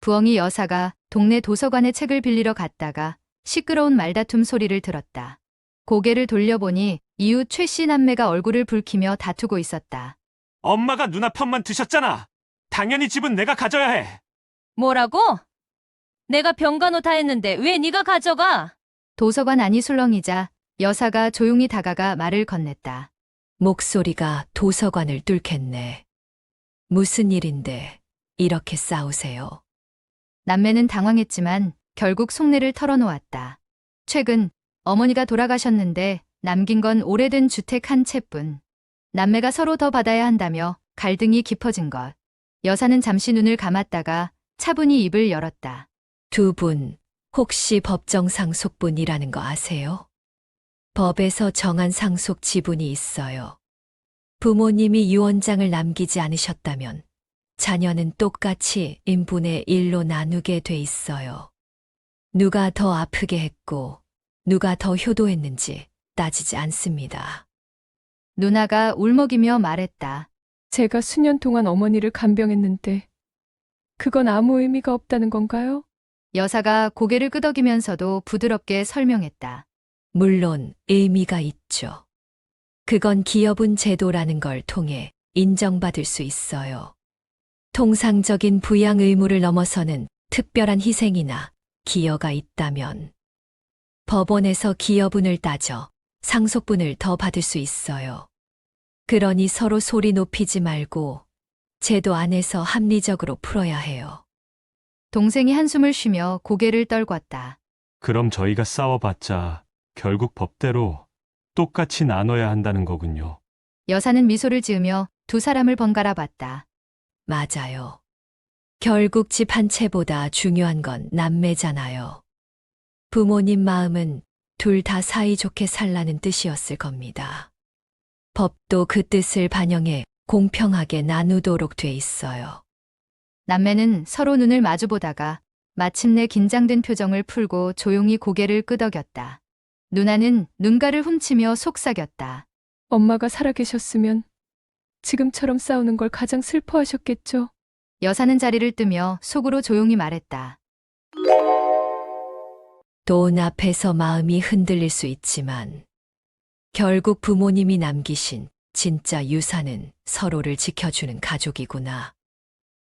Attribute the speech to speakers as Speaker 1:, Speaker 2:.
Speaker 1: 부엉이 여사가 동네 도서관에 책을 빌리러 갔다가 시끄러운 말다툼 소리를 들었다. 고개를 돌려보니 이웃 최 씨 남매가 얼굴을 붉히며 다투고 있었다.
Speaker 2: 엄마가 누나 편만 드셨잖아. 당연히 집은 내가 가져야 해.
Speaker 3: 뭐라고? 내가 병간호 다 했는데 왜 네가 가져가?
Speaker 1: 도서관 안이 술렁이자 여사가 조용히 다가가 말을 건넸다.
Speaker 4: 목소리가 도서관을 뚫겠네. 무슨 일인데 이렇게 싸우세요?
Speaker 1: 남매는 당황했지만 결국 속내를 털어놓았다. 최근 어머니가 돌아가셨는데 남긴 건 오래된 주택 한 채뿐. 남매가 서로 더 받아야 한다며 갈등이 깊어진 것. 여사는 잠시 눈을 감았다가 차분히 입을 열었다.
Speaker 4: 두 분 혹시 법정 상속분이라는 거 아세요? 법에서 정한 상속 지분이 있어요. 부모님이 유언장을 남기지 않으셨다면 자녀는 똑같이 인분의 1로 나누게 돼 있어요. 누가 더 아프게 했고 누가 더 효도했는지 따지지 않습니다.
Speaker 1: 누나가 울먹이며 말했다.
Speaker 5: 제가 수년 동안 어머니를 간병했는데 그건 아무 의미가 없다는 건가요?
Speaker 1: 여사가 고개를 끄덕이면서도 부드럽게 설명했다.
Speaker 4: 물론 의미가 있죠. 그건 기여분 제도라는 걸 통해 인정받을 수 있어요. 통상적인 부양 의무를 넘어서는 특별한 희생이나 기여가 있다면 법원에서 기여분을 따져 상속분을 더 받을 수 있어요. 그러니 서로 소리 높이지 말고 제도 안에서 합리적으로 풀어야 해요.
Speaker 1: 동생이 한숨을 쉬며 고개를 떨궜다.
Speaker 2: 그럼 저희가 싸워봤자 결국 법대로 똑같이 나눠야 한다는 거군요.
Speaker 1: 여사는 미소를 지으며 두 사람을 번갈아 봤다.
Speaker 4: 맞아요. 결국 집 한 채보다 중요한 건 남매잖아요. 부모님 마음은 둘 다 사이좋게 살라는 뜻이었을 겁니다. 법도 그 뜻을 반영해 공평하게 나누도록 돼 있어요.
Speaker 1: 남매는 서로 눈을 마주보다가 마침내 긴장된 표정을 풀고 조용히 고개를 끄덕였다. 누나는 눈가를 훔치며 속삭였다.
Speaker 5: 엄마가 살아계셨으면 지금처럼 싸우는 걸 가장 슬퍼하셨겠죠?
Speaker 1: 여사는 자리를 뜨며 속으로 조용히 말했다.
Speaker 4: 돈 앞에서 마음이 흔들릴 수 있지만 결국 부모님이 남기신 진짜 유산은 서로를 지켜주는 가족이구나.